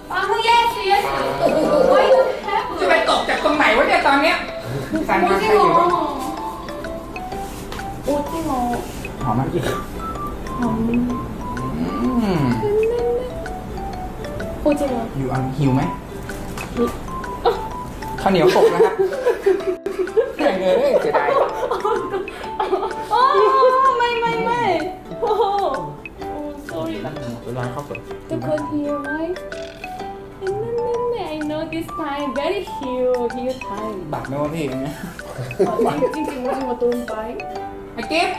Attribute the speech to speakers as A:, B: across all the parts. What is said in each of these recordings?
A: 빵은 yes yes. Why don't have?
B: จะไปตกจากตรงไหนวะเนี่ยตอนเนี้ยสั่นมาใครอยู่วะ
A: 오징어.
B: หอมไหมอืม
A: 오징어.
B: อยู่อันหิวไหมข้าวเหนียวตกนะครับแม่งเอ้ยเสียดาย
A: 마이. Sorry.
B: เวลาเข้าสด
A: The con here, right? I know this time very huge time.
B: บาดไหมวะพี่อย่างเงี้ย
A: 찡찡 오징어 don't buy.
B: ไอ้เก็บ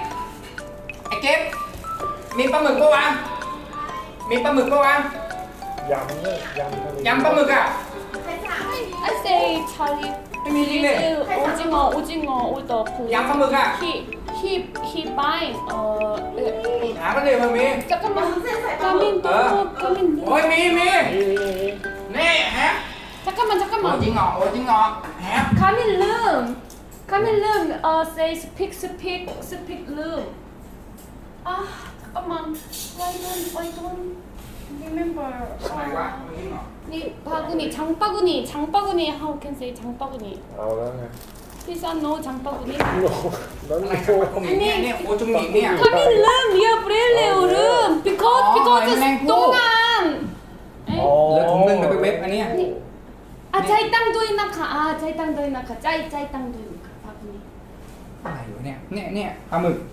B: มีปลาหมึกปะวะมีปลาหมึกปะวะ
C: ยำเนี่ยยำทะเล
B: ยำปลาหมึกอ่ะ
A: I say Charlie.
B: Give me
A: 오징어 order please.
B: ยำปลาหมึกอ่ะ
A: He buying
B: หาไปเลยมันมี
A: 잠깐만. 가민 또 가민.
B: โอ้ยมี
C: นี่
B: นี่ฮะ
A: 잠깐만
B: โอ้จริง
A: 잠깐만.
B: เหรอฮะ
A: 가민 룸 say speak room. 아 잠깐만. Why don't remember.
B: อะไรวะจริงเหรอ
A: 니 장바구니 how can say 장바구니.
C: เอาแล้วไง
A: This one no 장바구니.
C: โน่นั่น
B: อะไร
C: โอ้
B: กับตรงนี้เนี่ยโอ้จุงหนีเนี่ย
A: 가민 룸 리어 브렐레오 룸 because
B: 맹구.
A: 동안.
B: เหลือถุงนึงเดี๋ยวไปเว็บอันเนี้ย
A: 아 짜이땅도 있나카. 아 짜이땅도 있나카. 짜이땅도 있나카. 바구니.
B: อะไรอยู่เนี่ยเนี่ยปลาหมึก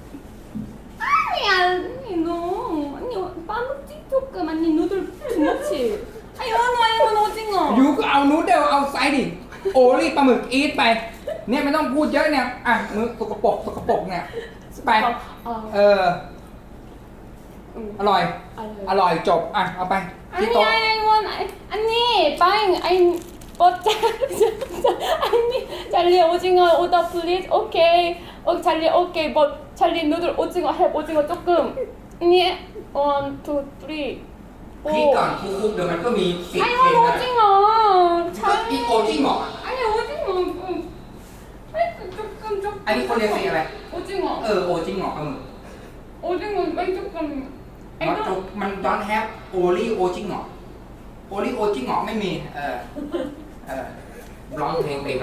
A: 아니 너 아니 빠먹지 조금 아니 누들 투머치. 아니 이건 오징어.
B: ยูก็เอานูดเดิลเอาไซส์ดิโอลี่ปลาหมึกอีทไปเนี่ยไม่ต้องพูดเยอะเนี่ยอ่ะมือสกปรกเนี่ยไปเอออร่อยจบอ่ะเอาไปที่
A: 아니
B: โต๊ะ
A: 아니 buying I but 아니 찰리 오징어 오더 플리즈 오케이 찰리 오케이 but 찰리 누들 오징어 해 오징어 조금 아니 1, 2, 3
B: คิดก่อนคุกเดี๋ยวมันก็มีสิทธิ์
A: 아니
B: เองนะ
A: 오징어
B: ก็อีโอจิ้งเหรอ
A: 아니 오징어 아니 조금
B: อันนี้คนเรียนสีอะไร
A: 오징어
B: โอจิ้งเหรอ
A: 오징어 아니 조금
B: มันดอนแฮปโอลี่โอจิ้งเหรอโอลี่โอจิ้งเหรอไม่มีร้องเพลงไป